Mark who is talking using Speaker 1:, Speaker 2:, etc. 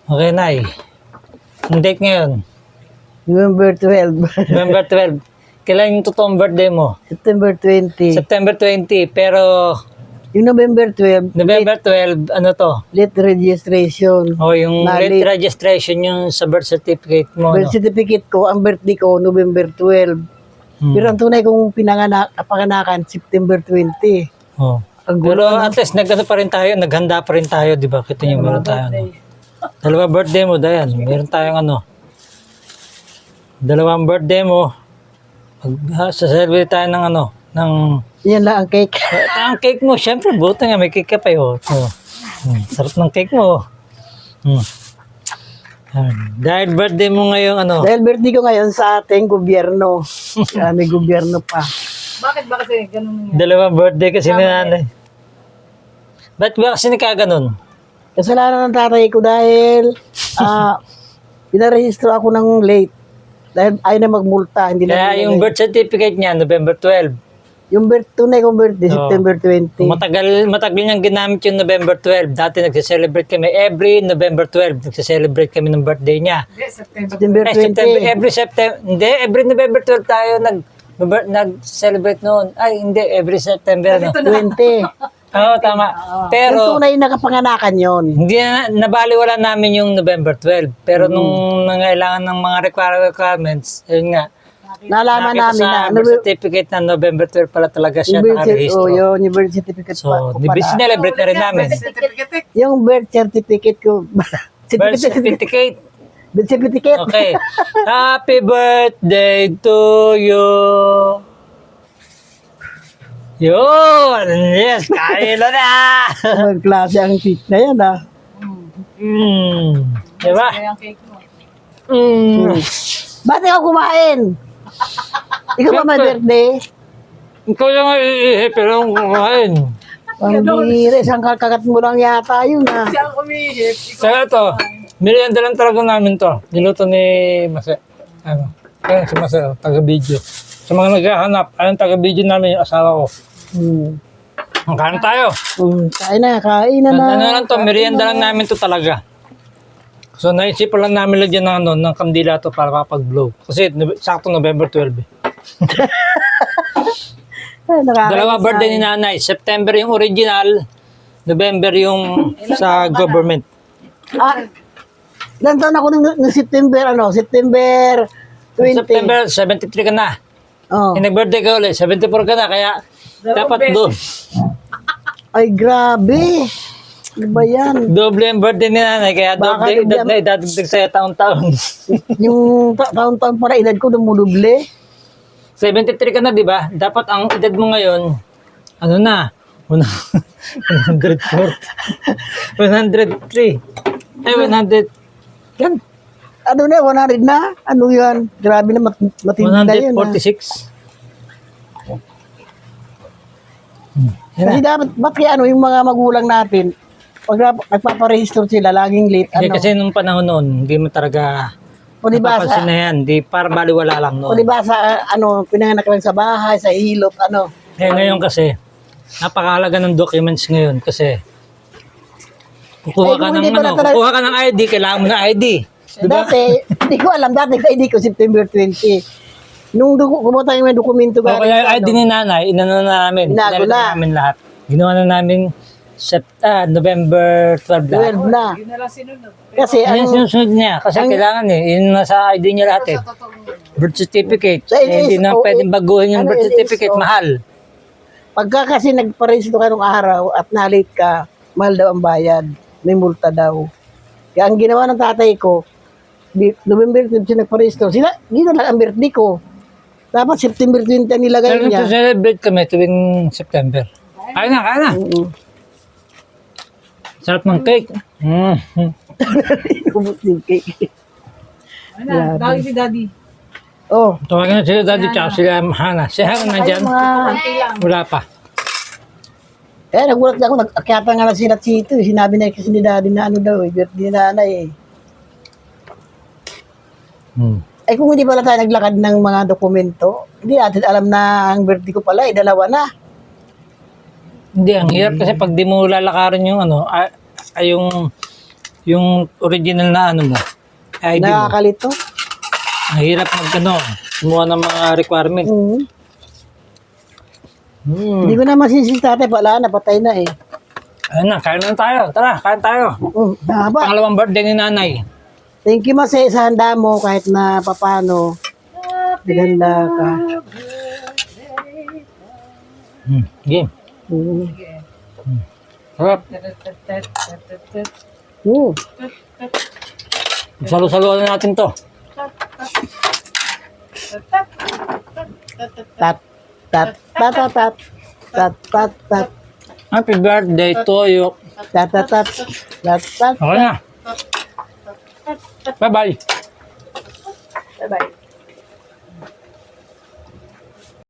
Speaker 1: Okay, Nay. Ang date ngayon?
Speaker 2: November 12.
Speaker 1: November 12. Kailan yung totoong birthday mo?
Speaker 2: September 20.
Speaker 1: September 20. Pero
Speaker 2: Yung November 12,
Speaker 1: November 12, ano to?
Speaker 2: late registration.
Speaker 1: O yung
Speaker 2: Na
Speaker 1: late
Speaker 2: late.
Speaker 1: registration yung sa birth certificate mo.
Speaker 2: Birth certificate ko, ang birthday ko, November 12. Pero ang tunay kong kapanganakan, September 20.
Speaker 1: Oh.
Speaker 2: Ang
Speaker 1: Pero at least nagano pa rin tayo, naghanda pa rin tayo, di ba? Kita niyo meron tayo. Ano. Dalawa birthday mo, Dayan. Meron tayong ano. Dalawang birthday mo. Saselebrate tayo ng ano, ng
Speaker 2: Yan lang ang cake.
Speaker 1: ang cake mo, syempre, buta nga, may cake ka pa yun. Oh. Sarap ng cake mo. Dahil birthday mo ngayon, ano?
Speaker 2: Dahil birthday ko ngayon sa ating gobyerno. May gobyerno pa.
Speaker 3: Bakit ba kasi ganun nga?
Speaker 1: Dalawang birthday kasi ni nanay. Ba't ba kasi nagkaganon?
Speaker 2: Kasalanan ng tatay ko dahil pinarehistro ako ng late. Dahil ayaw na magmulta. Hindi na
Speaker 1: Kaya yung birth certificate niya, November 12.
Speaker 2: Yung tunay kong birthday,
Speaker 1: Oo.
Speaker 2: September 20.
Speaker 1: Matagal niyang ginamit yung November 12. Dati nagse-celebrate kami. Every November 12, nagse-celebrate kami ng birthday niya.
Speaker 3: Hindi, September.
Speaker 2: September 20.
Speaker 1: Every September, hindi, every November 12 tayo nag-celebrate noon. Ay, hindi, every September. No?
Speaker 2: 20.
Speaker 1: Oo, tama.
Speaker 2: Yung
Speaker 1: Pero,
Speaker 2: tunay na kapanganakan yon.
Speaker 1: hindi nabaliwala namin yung November 12. Pero nung nangailangan ng mga requirements, yun nga,
Speaker 2: Nalaman
Speaker 1: nakita
Speaker 2: namin na.
Speaker 1: sa birth certificate na November 12 pala talaga siya
Speaker 2: Oh,
Speaker 1: nakarehistro.
Speaker 2: yun, yung birth certificate
Speaker 1: So,
Speaker 2: ko pala.
Speaker 1: sinelebrate na rin namin.
Speaker 3: Certificate.
Speaker 2: Yung birth certificate ko.
Speaker 1: Birth certificate.
Speaker 2: Birth certificate.
Speaker 1: Okay. Happy birthday to you. Yun! Yes! Kaila na!
Speaker 2: Ang klase ang cake na yan, ah.
Speaker 1: Diba?
Speaker 3: Kaya ang cake mo.
Speaker 2: Ba't ikaw kumain? Ikaw ba may birthday?
Speaker 1: Ikaw lang ay iihip, pero ang kumain.
Speaker 2: Pambira, isang kakagat mo lang yata yun, ah.
Speaker 3: Siya ang umihip.
Speaker 1: Kaya to, merienda lang talaga namin to. Niluto ni Mase. Ano? Kaya si Mase, taga-video. Sa mga naghahanap, ayun taga-video namin yung asawa ko. Ang kain tayo.
Speaker 2: Kain na, kain na na.
Speaker 1: Ano lang to, merienda lang namin to talaga. So naisipan lang namin lagyan ng, ano, ng kandila to para kapag-blow. Kasi sakto November 12.
Speaker 2: Ay, nakakain
Speaker 1: Dalawa
Speaker 2: sa-
Speaker 1: birthday ni nanay. September yung original, November yung sa government.
Speaker 2: Ilan taon ako ng September, September 20.
Speaker 1: September, 73 ka na.
Speaker 2: Oh.
Speaker 1: Nag-birthday ka ulit, 74 ka na. Kaya dapat
Speaker 2: Ay, grabe. Ano ba yan?
Speaker 1: doble ang birthday ni nanay. Kaya
Speaker 2: Baka
Speaker 1: doble edad
Speaker 2: bigyan-
Speaker 1: na idadagdag sa'yo taon-taon.
Speaker 2: Yung taon-taon para edad ko dumuduble.
Speaker 1: 73 ka na, di ba? Dapat ang edad mo ngayon, ano na? 104. 103. Ay, 100. Yan.
Speaker 2: Ano na, 100 na? Ano yan? Grabe na, matindi na yun.
Speaker 1: 146.
Speaker 2: Kasi dapat, ba't kaya yung mga magulang natin, pag nagpaparehistro sila, laging late,
Speaker 1: Hindi, kasi nung panahon noon, hindi mo talaga
Speaker 2: O di ba
Speaker 1: napapansin
Speaker 2: sa,
Speaker 1: na yan. Di, para baliwala lang
Speaker 2: o
Speaker 1: noon.
Speaker 2: di ba sa, pinanganak lang sa bahay, sa hilot,
Speaker 1: Eh, ngayon kasi, napakahalaga ng documents ngayon kasi kukuha
Speaker 2: Eh,
Speaker 1: ka
Speaker 2: kung
Speaker 1: ng
Speaker 2: hindi pala
Speaker 1: ano,
Speaker 2: talaga-
Speaker 1: kukuha ka ng ID, kailangan mo ng ID. Diba?
Speaker 2: Dati, hindi ko alam, dati ID ko September 20. Nung kumuha tayo may dokumento
Speaker 1: O kaya yung ID ni nanay, inano na namin.
Speaker 2: Binago
Speaker 1: Pinalitan
Speaker 2: na.
Speaker 1: namin lahat. Ginawa na namin November 12 lahat.
Speaker 2: 12 na.
Speaker 3: Yun na lang sinunod.
Speaker 2: Kasi,
Speaker 1: Yan yung sinusunod niya. Kasi kailangan yun nasa ID niya lahat eh. Birth certificate.
Speaker 2: Sa
Speaker 1: Hindi na
Speaker 2: NSO,
Speaker 1: pwedeng baguhin yung
Speaker 2: ano,
Speaker 1: birth certificate.
Speaker 2: NSO?
Speaker 1: Mahal.
Speaker 2: pagka kasi nagparehistro ka nung araw at na-late ka, mahal daw ang bayad. May multa daw. Kaya ang ginawa ng tatay ko, November 12 siya nagparehistro. Gina lang ang birthday ko. Dapat September 20 ang nilagay
Speaker 1: Pero
Speaker 2: niya.
Speaker 1: celebrate kami tuwing September. Kaya na, kaya na. Sarap ng cake.
Speaker 2: Ubus yung cake.
Speaker 3: Ano, dahil si daddy.
Speaker 2: Oh,
Speaker 1: Tawagan na sila daddy tsaka sila Hana. Si Hana nandyan. Wala pa.
Speaker 2: nagulat ako. Nagkakyata nga na sila Chito. Sinabi na kasi ni daddy na ano daw, birthday na nanay eh. Ay kung hindi pala tayo naglakad ng mga dokumento, hindi natin alam na ang birthday ko pala, dalawa na.
Speaker 1: Hindi, ang hirap kasi pag di mo lalakarin yung ano, yung original na ano mo, ID mo.
Speaker 2: Nakakalito.
Speaker 1: Ang hirap kumuha ng mga requirement.
Speaker 2: Hindi ko na masisi tatay, wala na, patay na eh.
Speaker 1: Ayun na, kain na tayo. Tara, kain tayo.
Speaker 2: Haba.
Speaker 1: Pangalawang birthday ni nanay.
Speaker 2: Thank you Mase sa handa mo kahit na papano. Naganda ka.
Speaker 1: Game.
Speaker 2: Mm.
Speaker 1: Sarap.
Speaker 2: Mm.
Speaker 1: Salo-saluan na natin to.
Speaker 2: Tat, tat, tat, tat, tat, tat, tat, tat,
Speaker 1: Happy birthday to you.
Speaker 2: tat, tat, tat, tat, tat.
Speaker 1: Okay na. Bye-bye.
Speaker 3: Bye-bye.